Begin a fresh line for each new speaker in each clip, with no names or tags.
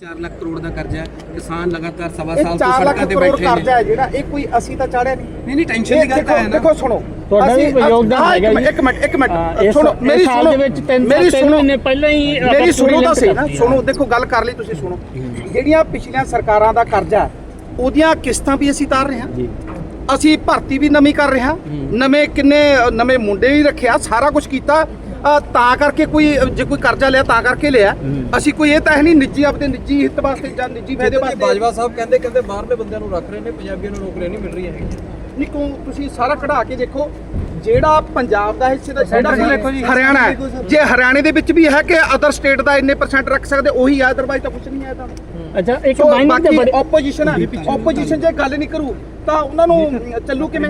4 ਲੱਖ ਕਰੋੜ ਦਾ ਕਰਜ਼ਾ ਹੈ। ਕਿਸਾਨ ਲਗਾਤਾਰ ਸਵਾ
ਇਹ
ਸਾਲ ਤੋਂ
4 ਲੱਖ
ਸੜਕਾਂ ਤੇ
ਕਰੋੜ
ਬੈਠੇ
ਕਰਜ਼ਾ
ਨੇ।
ਹੈ ਜਿਹੜਾ ਇਹ ਕੋਈ ਅਸੀਂ ਤਾਂ ਚਾੜਿਆ
ਨਹੀਂ ਟੈਨਸ਼ਨ ਦੀ ਗੱਲ ਤਾਂ ਹੈ ਨਾ।
ਦੇਖੋ ਸੁਣੋ
ਤੁਹਾਡਾ ਵੀ ਯੋਗਦਾਨ ਹੈਗਾ ਜੀ।
ਇੱਕ ਮਿੰਟ ਸੁਣੋ ਮੇਰੀ
ਸਾਲ ਦੇ ਵਿੱਚ 3 ਮਹੀਨੇ ਪਹਿਲਾਂ ਹੀ
ਮੇਰੀ ਸੁਣੋ ਤਾਂ ਸਹੀ ਨਾ। ਸੁਣੋ ਦੇਖੋ ਗੱਲ ਕਰ ਲਈ ਤੁਸੀਂ। ਸੁਣੋ ਜਿਹੜੀਆਂ ਪਿਛਲੀਆਂ ਸਰਕਾਰਾਂ ਦਾ ਕਰਜ਼ਾ ਉਹਦੀਆਂ ਕਿਸ਼ਤਾਂ ਵੀ ਅਸੀਂ ਤਾਰ ਰਹੇ ਹਾਂ
ਜੀ।
ਅਸੀਂ ਭਰਤੀ ਵੀ ਨਵੀਂ ਕਰ ਰਹੇ ਹਾਂ ਨਵੇਂ ਮੁੰਡੇ ਵੀ ਰੱਖਿਆ ਸਾਰਾ ਕੁਝ ਕੀਤਾ ਤਾਂ ਕਰਕੇ ਜੇ ਕੋਈ ਕਰਜ਼ਾ ਲਿਆ ਤਾਂ ਕਰਕੇ ਲਿਆ। ਅਸੀਂ ਕੋਈ ਇਹ ਤਾਂ ਹੈ ਨਹੀਂ ਨਿੱਜੀ ਆਪਣੇ ਨਿੱਜੀ ਹਿੱਤ ਵਾਸਤੇ ਜਾਂ ਨਿੱਜੀ ਫਾਇਦੇ ਵਾਸਤੇ।
ਬਾਜਵਾ ਸਾਹਿਬ ਕਹਿੰਦੇ ਬਾਹਰਲੇ ਬੰਦਿਆਂ ਨੂੰ ਰੱਖ ਰਹੇ ਨੇ, ਪੰਜਾਬੀਆਂ ਨੂੰ ਨੌਕਰੀਆਂ ਨਹੀਂ ਮਿਲ ਰਹੀਆਂ ਹੈਗੀਆਂ।
ਨਹੀਂ ਕਿਉਂ ਤੁਸੀਂ ਸਾਰਾ ਕਢਾ ਕੇ ਦੇਖੋ ਜਿਹੜਾ ਪੰਜਾਬ ਦਾ ਹਿੱਸੇ ਦਾ ਹਰਿਆਣਾ ਹੈ। ਜੇ ਹਰਿਆਣੇ ਦੇ ਵਿੱਚ ਵੀ ਹੈ ਕਿ ਅਦਰ ਸਟੇਟ ਦਾ ਇੰਨੇ % ਰੱਖ ਸਕਦੇ ਉਹੀ ਆ, ਅਦਰਵਾਈਜ਼ ਤਾਂ ਕੁਝ ਨਹੀਂ ਹੈ। ਤਾਂ
ਅੱਛਾ ਇੱਕ
ਬਾਕੀ ਆਪੋਜੀਸ਼ਨ ਹੈ। ਆਪੋਜੀਸ਼ਨ ਜੇ ਗੱਲ ਨਹੀਂ ਕਰੂ ਤਾਂ ਉਹਨਾਂ ਨੂੰ ਚੱਲੂ ਕਿਵੇਂ?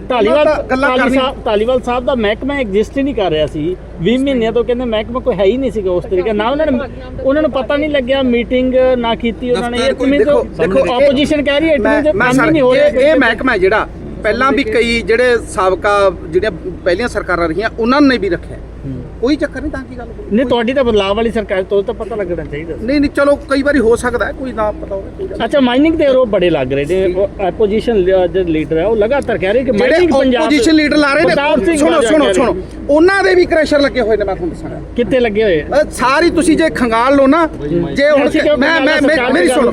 ਧਾਲੀਵਾਲ ਸਾਹਿਬ ਦਾ ਮਹਿਕਮਾ ਐਗਜ਼ਿਸਟ ਹੀ ਨਹੀਂ ਕਰ ਰਿਹਾ ਸੀ 20 ਮਹੀਨਿਆਂ ਤੋਂ। ਕਹਿੰਦੇ ਮਹਿਕਮਾ ਕੋਈ ਹੈ ਹੀ ਨਹੀਂ ਸੀਗਾ ਉਸ ਤਰੀਕੇ ਨਾਲ। ਉਹਨਾਂ ਨੂੰ ਪਤਾ ਨਹੀਂ ਲੱਗਿਆ, ਮੀਟਿੰਗ ਨਾ ਕੀਤੀ ਉਹਨਾਂ ਨੇ। ਦੇਖੋ ਆਪੋਜੀਸ਼ਨ ਕਹਿ ਰਹੀ ਹੈ ਕੰਮ ਨਹੀਂ ਹੋ ਰਿਹਾ।
ਇਹ ਮਹਿਕਮਾ ਜਿਹੜਾ ਪਹਿਲਾਂ ਵੀ ਕਈ ਜਿਹੜੇ ਸਾਬਕਾ ਜਿਹੜੀਆਂ ਪਹਿਲੀਆਂ ਸਰਕਾਰਾਂ ਰਹੀਆਂ ਉਹਨਾਂ ਨੇ ਵੀ ਰੱਖਿਆ। ਕੋਈ ਚੱਕਰ ਨਹੀਂ, ਤਾਂ ਕੀ ਗੱਲ
ਨਹੀਂ ਤੁਹਾਡੀ ਤਾਂ ਬਦਲਾਅ ਵਾਲੀ ਸਰਕਾਰ ਤੋਂ ਤਾਂ ਪਤਾ ਲੱਗਣਾ ਚਾਹੀਦਾ।
ਨਹੀਂ ਚਲੋ ਕਈ ਵਾਰੀ ਹੋ ਸਕਦਾ ਕੋਈ ਨਾ ਪਤਾ ਹੋਵੇ।
ਅੱਛਾ ਮਾਈਨਿੰਗ ਦੇ ਆਰੋਪ ਬੜੇ ਲੱਗ ਰਹੇ ਨੇ। ਆਪੋਜੀਸ਼ਨ ਦੇ ਲੀਡਰ ਹੈ ਉਹ ਲਗਾਤਾਰ ਕਹਿ ਰਹੇ ਕਿ ਮਾਈਨਿੰਗ ਪੰਜਾਬ
ਆਪੋਜੀਸ਼ਨ ਲੀਡਰ ਲਾ ਰਹੇ ਨੇ। ਸੁਣੋ ਉਹਨਾਂ ਦੇ ਵੀ ਕ੍ਰੈਸ਼ਰ ਲੱਗੇ ਹੋਏ ਨੇ। ਮੈਂ ਤੁਹਾਨੂੰ ਦੱਸਾਂਗਾ
ਕਿੱਥੇ ਲੱਗੇ ਹੋਏ
ਸਾਰੀ ਤੁਸੀਂ ਜੇ ਖੰਗਾਲ ਲਓ ਨਾ। ਜੇ ਹੁਣ ਮੈਂ ਮੇਰੀ ਸੁਣੋ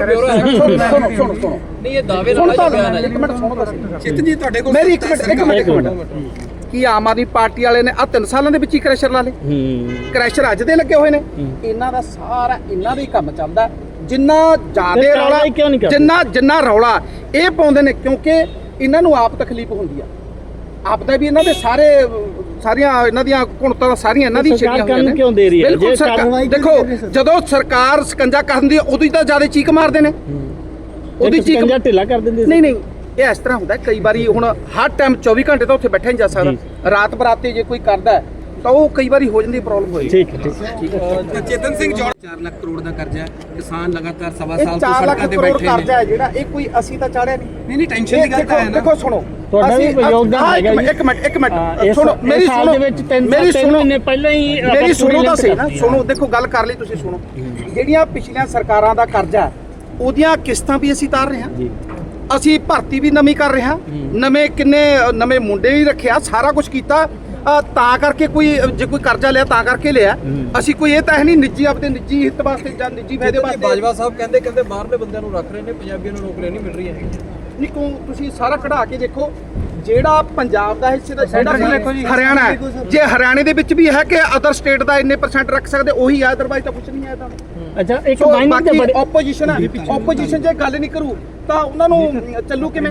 ਨਹੀਂ ਇਹ ਦਾਅਵੇ ਨਾਲ ਬਿਆਨ ਹੈ।
ਇੱਕ ਮਿੰਟ ਸੁਣੋ
ਚਿੱਤ ਜੀ ਤੁਹਾਡੇ ਕੋਲ
ਮੇਰੀ ਇੱਕ ਮਿੰਟ ਕੀ ਆਮ ਆਦਮੀ ਪਾਰਟੀ ਵਾਲੇ ਨੇ 3 ਸਾਲਾਂ ਦੇ ਵਿੱਚ ਹੀ ਕ੍ਰੈਸ਼ਰ ਲਾ ਲਏ? ਕ੍ਰੈਸ਼ਰ ਅੱਜ ਦੇ ਲੱਗੇ ਹੋਏ ਨੇ। ਇਹਨਾਂ ਦਾ ਸਾਰਾ ਇਹਨਾਂ ਦਾ ਹੀ ਕੰਮ ਚੱਲਦਾ। ਜਿੰਨਾ ਜ਼ਿਆਦਾ ਰੌਲਾ ਜਿੰਨਾ ਰੌਲਾ ਇਹ ਪਾਉਂਦੇ ਨੇ ਕਿਉਂਕਿ ਇਹਨਾਂ ਨੂੰ ਆਪ ਤਕਲੀਫ ਹੁੰਦੀ ਆ। ਆਪ ਦਾ ਵੀ ਇਹਨਾਂ ਦੇ ਸਾਰੀਆਂ ਇਹਨਾਂ ਦੀਆਂ ਕੁਣਤਾਂ ਸਾਰੀਆਂ ਇਹਨਾਂ ਦੀ ਛੇੜੀਆਂ ਹੋਈਆਂ ਨੇ।
ਕਿਉਂ ਦੇ ਰਹੀ ਹੈ?
ਦੇਖੋ ਜਦੋਂ ਸਰਕਾਰ ਸਕੰਜਾ ਕਰਦੀ ਉਦੋਂ ਹੀ ਤਾਂ ਜ਼ਿਆਦਾ ਚੀਕ ਮਾਰਦੇ ਨੇ।
ਉਹਦੀ ਚੀਕ ਢਿੱਲਾ ਕਰ ਦਿੰਦੇ।
ਨਹੀਂ ਇਹ ਇਸ ਤਰ੍ਹਾਂ ਹੁੰਦਾ ਕਈ ਵਾਰੀ। ਹੁਣ ਹਰ ਟਾਈਮ 24 ਘੰਟੇ ਤਾਂ ਉੱਥੇ ਬੈਠਾ ਨਹੀਂ ਜਾ ਸਕਦਾ। ਰਾਤ ਬਰਾਤੇ ਜੇ ਕੋਈ ਕਰਦਾ ਤਾਂ ਉਹ ਕਈ ਵਾਰੀ ਹੋ ਜਾਂਦੀ ਪ੍ਰੋਬਲਮ ਹੋਈ।
ਠੀਕ ਹੈ।
ਚੇਤਨ ਸਿੰਘ
4 ਲੱਖ ਕਰੋੜ ਦਾ ਕਰਜ਼ਾ ਹੈ। ਕਿਸਾਨ ਲਗਾਤਾਰ ਸਵਾ ਸਾਲ ਤੋਂ
4 ਲੱਖ
ਸੜਕਾਂ ਤੇ
ਕਰੋੜ
ਬੈਠੇ ਨੇ।
ਕਰਜ਼ਾ ਹੈ ਜਿਹੜਾ ਇਹ ਕੋਈ ਅਸੀਂ ਤਾਂ ਚਾੜਿਆ
ਨਹੀਂ ਟੈਨਸ਼ਨ ਦੀ ਗੱਲ ਤਾਂ ਹੈ ਨਾ।
ਦੇਖੋ ਸੁਣੋ
ਤੁਹਾਡਾ ਵੀ ਯੋਗਦਾਨ ਹੈਗਾ ਜੀ।
ਇੱਕ ਮਿੰਟ ਸੁਣੋ ਮੇਰੀ
ਸਾਲ ਦੇ ਵਿੱਚ 3 ਮਹੀਨੇ ਪਹਿਲਾਂ ਹੀ
ਮੇਰੀ ਸੁਣੋ ਤਾਂ ਸਹੀ ਨਾ। ਸੁਣੋ ਦੇਖੋ ਗੱਲ ਕਰ ਲਈ ਤੁਸੀਂ। ਸੁਣੋ ਜਿਹੜੀਆਂ ਪਿਛਲੀਆਂ ਸਰਕਾਰਾਂ ਦਾ ਕਰਜ਼ਾ ਉਹਦੀਆਂ ਕਿਸ਼ਤਾਂ ਵੀ ਅਸੀਂ ਤਾਰ ਰਹੇ ਹਾਂ। ਅਸੀਂ ਭਰਤੀ ਵੀ ਨਵੀਂ ਕਰ ਰਹੇ ਹਾਂ ਨਵੇਂ ਮੁੰਡੇ ਵੀ ਰੱਖਿਆ ਸਾਰਾ ਕੁਝ ਕੀਤਾ ਤਾਂ ਕਰਕੇ ਜੇ ਕੋਈ ਕਰਜ਼ਾ ਲਿਆ ਤਾਂ ਕਰਕੇ ਲਿਆ। ਅਸੀਂ ਕੋਈ ਇਹ ਤਾਂ ਹੈ ਨਹੀਂ ਨਿੱਜੀ ਆਪਣੇ ਨਿੱਜੀ ਹਿੱਤ ਵਾਸਤੇ ਜਾਂ ਨਿੱਜੀ ਫਾਇਦੇ ਵਾਸਤੇ।
ਬਾਜਵਾ ਸਾਹਿਬ ਕਹਿੰਦੇ ਬਾਹਰਲੇ ਬੰਦਿਆਂ ਨੂੰ ਰੱਖ ਰਹੇ ਨੇ, ਪੰਜਾਬੀਆਂ ਨੂੰ ਨੌਕਰੀਆਂ ਨਹੀਂ ਮਿਲ ਰਹੀਆਂ ਹੈਗੀਆਂ।
ਨਹੀਂ ਕਿਉਂ ਤੁਸੀਂ ਸਾਰਾ ਕਢਾ ਕੇ ਦੇਖੋ ਜਿਹੜਾ ਪੰਜਾਬ ਦਾ ਹਿੱਸੇ ਦਾ ਹਰਿਆਣਾ ਹੈ। ਜੇ ਹਰਿਆਣੇ ਦੇ ਵਿੱਚ ਵੀ ਹੈ ਕਿ ਅਦਰ ਸਟੇਟ ਦਾ ਇੰਨੇ % ਰੱਖ ਸਕਦੇ ਉਹੀ ਆ, ਅਦਰਵਾਈਜ਼ ਤਾਂ ਕੁਝ ਨਹੀਂ ਹੈ। ਤਾਂ
ਅੱਛਾ ਇੱਕ
ਬਾਕੀ ਆਪੋਜੀਸ਼ਨ ਹੈ। ਆਪੋਜੀਸ਼ਨ ਜੇ ਗੱਲ ਨਹੀਂ ਕਰੂ ਤਾਂ ਉਹਨਾਂ ਨੂੰ ਚੱਲੂ ਕਿਵੇਂ?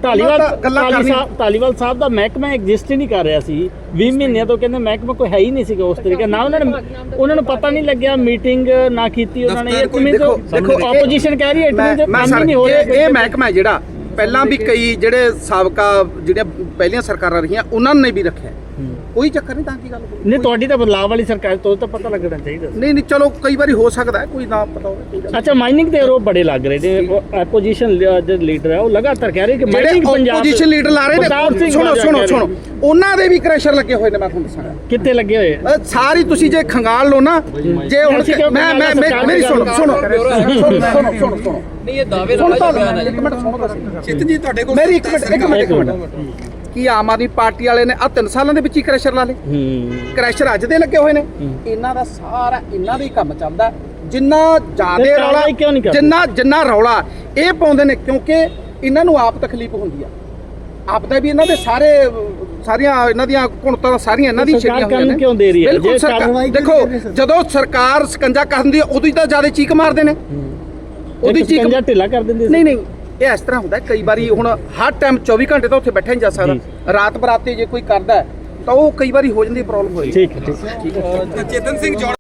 ਧਾਲੀਵਾਲ ਸਾਹਿਬ ਦਾ ਮਹਿਕਮਾ ਐਗਜ਼ਿਸਟ ਹੀ ਨਹੀਂ ਕਰ ਰਿਹਾ ਸੀ 20 ਮਹੀਨਿਆਂ ਤੋਂ। ਕਹਿੰਦੇ ਮਹਿਕਮਾ ਕੋਈ ਹੈ ਹੀ ਨਹੀਂ ਸੀਗਾ ਉਸ ਤਰੀਕੇ ਨਾਲ। ਉਹਨਾਂ ਨੂੰ ਪਤਾ ਨਹੀਂ ਲੱਗਿਆ, ਮੀਟਿੰਗ ਨਾ ਕੀਤੀ ਉਹਨਾਂ ਨੇ। ਦੇਖੋ ਆਪੋਜੀਸ਼ਨ ਕਹਿ ਰਹੀ ਹੈ ਕੰਮ ਨਹੀਂ ਹੋ ਰਿਹਾ।
ਇਹ ਮਹਿਕਮਾ ਜਿਹੜਾ ਪਹਿਲਾਂ ਵੀ ਕਈ ਜਿਹੜੇ ਸਾਬਕਾ ਜਿਹੜੀਆਂ ਪਹਿਲੀਆਂ ਸਰਕਾਰਾਂ ਰਹੀਆਂ ਉਹਨਾਂ ਨੇ ਵੀ ਰੱਖਿਆ। ਕੋਈ ਚੱਕਰ ਨਹੀਂ, ਤਾਂ ਕੀ ਗੱਲ
ਨਹੀਂ ਤੁਹਾਡੀ ਤਾਂ ਬਦਲਾਅ ਵਾਲੀ ਸਰਕਾਰ ਤੋਂ ਤਾਂ ਪਤਾ ਲੱਗਣਾ ਚਾਹੀਦਾ।
ਨਹੀਂ ਚਲੋ ਕਈ ਵਾਰੀ ਹੋ ਸਕਦਾ ਕੋਈ ਨਾ ਪਤਾ ਹੋਵੇ।
ਅੱਛਾ ਮਾਈਨਿੰਗ ਦੇ ਆਰੋਪ ਬੜੇ ਲੱਗ ਰਹੇ ਨੇ। ਆਪੋਜੀਸ਼ਨ ਦੇ ਲੀਡਰ ਹੈ ਉਹ ਲਗਾਤਾਰ ਕਹਿ ਰਹੇ ਕਿ ਮਾਈਨਿੰਗ ਪੰਜਾਬ
ਆਪੋਜੀਸ਼ਨ ਲੀਡਰ ਲਾ ਰਹੇ ਨੇ। ਸੁਣੋ ਉਹਨਾਂ ਦੇ ਵੀ ਕ੍ਰੈਸ਼ਰ ਲੱਗੇ ਹੋਏ ਨੇ। ਮੈਂ ਤੁਹਾਨੂੰ ਦੱਸਾਂਗਾ
ਕਿੱਥੇ ਲੱਗੇ ਹੋਏ।
ਸਾਰੀ ਤੁਸੀਂ ਜੇ ਖੰਗਾਲ ਲਓ ਨਾ। ਜੇ ਹੁਣ ਮੇਰੀ ਸੁਣੋ
ਨਹੀਂ ਇਹ ਦਾਅਵੇ ਨਾਲ ਬਿਆਨ ਹੈ।
ਇੱਕ ਮਿੰਟ ਸੁਣੋ
ਚਿੱਤ ਜੀ ਤੁਹਾਡੇ ਕੋਲ
ਮੇਰੀ ਇੱਕ ਮਿੰਟ ਕੀ ਆਮ ਆਦਮੀ ਪਾਰਟੀ ਵਾਲੇ ਨੇ 3 ਸਾਲਾਂ ਦੇ ਵਿੱਚ ਹੀ ਕ੍ਰੈਸ਼ਰ ਲਾ ਲਏ? ਕ੍ਰੈਸ਼ਰ ਅੱਜ ਦੇ ਲੱਗੇ ਹੋਏ ਨੇ। ਇਹਨਾਂ ਦਾ ਸਾਰਾ ਇਹਨਾਂ ਦਾ ਹੀ ਕੰਮ ਚੱਲਦਾ। ਜਿੰਨਾ ਜਿੰਨਾ ਰੌਲਾ ਇਹ ਪਾਉਂਦੇ ਨੇ ਕਿਉਂਕਿ ਇਹਨਾਂ ਨੂੰ ਆਪ ਤਕਲੀਫ ਹੁੰਦੀ ਆ। ਆਪ ਦਾ ਵੀ ਇਹਨਾਂ ਦੇ ਸਾਰੀਆਂ ਇਹਨਾਂ ਦੀਆਂ ਕੁਣਤਾਂ ਸਾਰੀਆਂ ਇਹਨਾਂ ਦੀ ਛੇੜੀਆਂ ਹੋਈਆਂ ਨੇ।
ਕਿਉਂ ਦੇ ਰਹੀ ਹੈ?
ਦੇਖੋ ਜਦੋਂ ਸਰਕਾਰ ਸਕੰਜਾ ਕਰਦੀ ਉਦੋਂ ਹੀ ਤਾਂ ਜ਼ਿਆਦਾ ਚੀਕ ਮਾਰਦੇ ਨੇ। ਉਹਦੀ ਚੀਕ
ਢਿੱਲਾ ਕਰ ਦਿੰਦੇ।
ਨਹੀਂ ਇਹ ਇਸ ਤਰ੍ਹਾਂ ਹੁੰਦਾ ਕਈ ਵਾਰੀ। ਹੁਣ ਹਰ ਟਾਈਮ 24 ਘੰਟੇ ਤਾਂ ਉੱਥੇ ਬੈਠਾ ਨਹੀਂ ਜਾ ਸਕਦਾ। ਰਾਤ ਬਰਾਤੇ ਜੇ ਕੋਈ ਕਰਦਾ ਤਾਂ ਉਹ ਕਈ ਵਾਰੀ ਹੋ ਜਾਂਦੀ ਪ੍ਰੋਬਲਮ ਹੋਈ।
ਠੀਕ ਹੈ।
ਚੇਤਨ ਸਿੰਘ